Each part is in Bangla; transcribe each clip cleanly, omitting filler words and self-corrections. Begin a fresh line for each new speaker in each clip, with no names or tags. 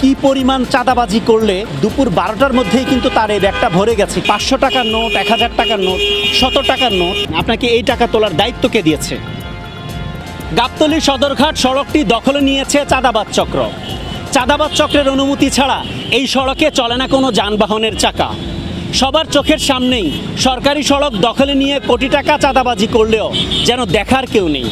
কি পরিমাণ চাঁদাবাজি করলে দুপুর 12টার মধ্যেই কিন্তু তার এই ব্যাগটা ভরে গেছে। 500 টাকার নোট, 1000 টাকার নোট, 100 টাকার নোট। আপনাকে এই টাকা তোলার দায়িত্ব কে দিয়েছে? গাবতলী সদরঘাট সড়কটি দখলে নিয়েছে চাঁদাবাজ চক্র। চাঁদাবাজ চক্রের অনুমতি ছাড়া এই সড়কে চলে না কোনো যানবাহনের চাকা। সবার চোখের সামনেই সরকারি সড়ক দখলে নিয়ে কোটি টাকা চাঁদাবাজি করলেও যেন দেখার কেউ নেই।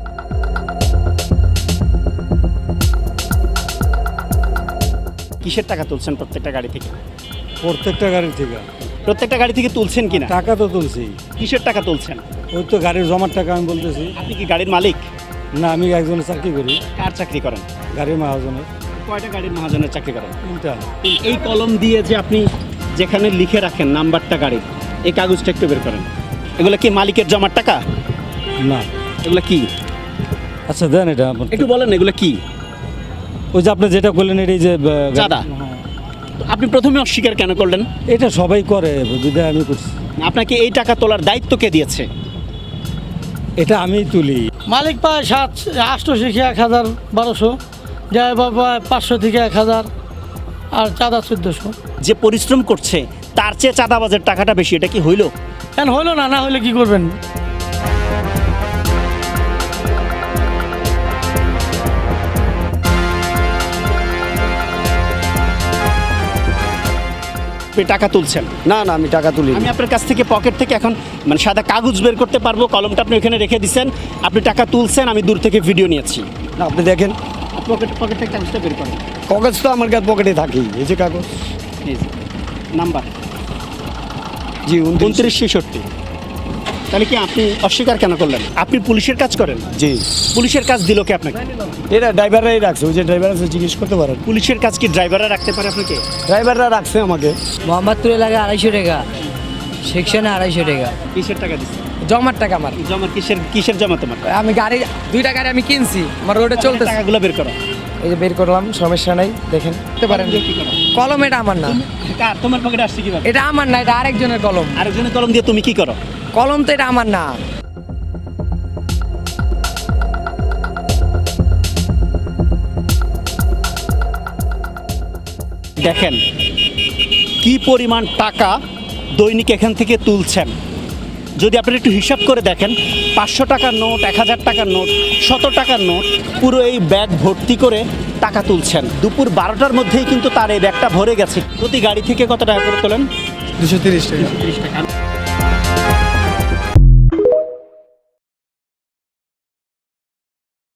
কিসের টাকা তুলছেন প্রত্যেকটা গাড়ি থেকে?
প্রত্যেকটা গাড়ি থেকে।
প্রত্যেকটা গাড়ি থেকে তুলছেন কিনা?
টাকা তো তুলছি।
কিসের টাকা তুলছেন?
ওই তো গাড়ির জমার টাকা আমি বলতেছি।
আপনি কি গাড়ির মালিক?
না, আমি একজনের চাকরি করি।
কার চাকরি করেন?
গাড়ির মহাজনের।
কয়টা গাড়ির মহাজনের চাকরি করেন?
তিনটা।
এই কলম দিয়ে যে আপনি যেখানে লিখে রাখেন নাম্বারটা গাড়ির, এই কাগজটা একটু বের করেন। এগুলো কি মালিকের জমার টাকা?
না।
এগুলো কি?
আচ্ছা দেন এটা
একটু বলেন এগুলো কি?
ওই যে আপনি যেটা বললেন এটাই যে
চাঁদা। আপনি প্রথমে অস্বীকার কেন করলেন?
এটা সবাই করে, বিধায় আমি করছি।
আপনাকে এই টাকা তোলার দায়িত্ব কে দিয়েছে?
এটা আমিই তুলি।
মালিক পায় 800 থেকে 1000-1200, ড্রাইভার পায় 500 থেকে 1000, আর চাঁদা 1400।
যে পরিশ্রম করছে তার চেয়ে চাঁদাবাজের টাকাটা বেশি, এটা কি হইল?
কেন হইলো না? না হইলে কি করবেন?
আপনি টাকা তুলছেন?
না না, আমি টাকা তুলি।
আমি আপনার কাছ থেকে পকেট থেকে এখন মানে সাদা কাগজ বের করতে পারবো, কলমটা আপনি ওখানে রেখে দিচ্ছেন, আপনি টাকা তুলছেন, আমি দূর থেকে ভিডিও নিয়েছি।
না, আপনি দেখেন
পকেট থেকে কাগজটা বের করেন।
কাগজ তো আমার কাছে পকেটে থাকেই। এই যে কাগজ।
এই যে, নাম্বার
জি
2966। তাহলে কি আপনি অস্বীকার কেন করলেন? আপনি পুলিশের কাজ করেন?
জি।
পুলিশের কাজ দিল কে আপনাকে?
এরা ড্রাইভাররাই রাখছে। ওই যে ড্রাইভার আছে, জিজ্ঞেস করতে পারেন।
পুলিশের কাজ কি ড্রাইভাররা রাখতে পারে আপনাকে?
ড্রাইভাররা রাখছে আমাকে।
মোহাম্মদপুরে লাগে 250 টাকা, সেকশনে 250 টাকা।
কিসের টাকা দিচ্ছে?
জমার টাকা আমার।
জমা কিসের জমা তোমার?
আমি গাড়ি 2টা গাড়ি আমি কিনছি, আমার রোডে চলতেছে।
টাকাগুলো বের করো।
এই যে বের করলাম, সমস্যা নাই, দেখেন দেখতে পারেন।
কি করো?
কলম এটা আমার না,
কার? তোমার পকেটে আসছে কিভাবে?
এটা আমার না, এটা আরেকজনের কলম।
আরেকজনের কলম দিয়ে তুমি কি করো?
কলম তো এটা আমার না।
দেখেন কি পরিমাণ টাকা দৈনিক এখান থেকে তুলছেন। যদি আপনারা একটু হিসাব করে দেখেন, 500 টাকার নোট, 1000 টাকার নোট, 100 টাকার নোট, পুরো এই ব্যাগ ভর্তি করে টাকা তুলছেন। দুপুর 12টার মধ্যেই কিন্তু তার এই ব্যাগটা ভরে গেছে। প্রতি গাড়ি থেকে কত টাকা করে তোলেন?
230 টাকা।
30 টাকা।